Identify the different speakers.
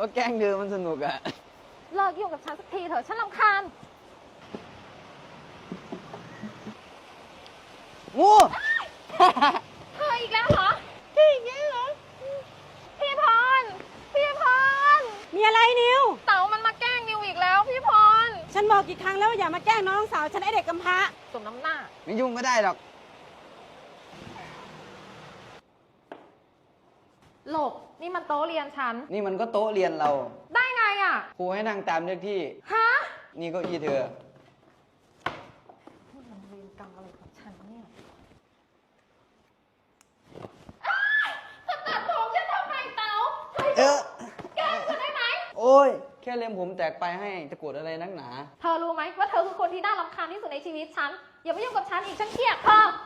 Speaker 1: ก็แกล้งเธอมันสนุกอะ
Speaker 2: เลิกยุ่งกับฉันสักทีเถอะฉันรำคาญ
Speaker 1: งู
Speaker 2: เธออีกแล้วเหรอพี่อีกแล้วเหรอพี่พรพี่พร
Speaker 3: มีอะไรนิว
Speaker 2: เต๋ามันมาแกล้งนิวอีกแล้วพี่พร
Speaker 3: ฉันบอกกี่ครั้งแล้วว่าอย่ามาแกล้งน้องสาวฉันไอเด็กกำพร้า
Speaker 2: สมน้ำหน้า
Speaker 1: ไม่ยุ่งก็ได้หรอก
Speaker 2: หลบนี่มันโต๊ะเรียนฉัน
Speaker 1: นี่มันก็โต๊ะเรียนเรา
Speaker 2: ได้ไงอ่ะ
Speaker 1: ครูให้นั่งตามเลขที่
Speaker 2: ฮะ
Speaker 1: นี่เก็อีเธอ
Speaker 2: มันเวรกรรมอะไรกับฉันเนี่ยเธอตัดผมฉันทำไมเต๋า
Speaker 1: เออ
Speaker 2: แกล้งฉันได้ไหม
Speaker 1: โอ้ย แค่เล็มผมแตกไปให้จะโกรธอะไรนักหนา
Speaker 2: เธอรู้ไหมว่าเธอคือคนที่น่ารำคาญที่สุดในชีวิตฉัน อย่ามายุ่งกับฉันอีกฉันเกลียดเธอ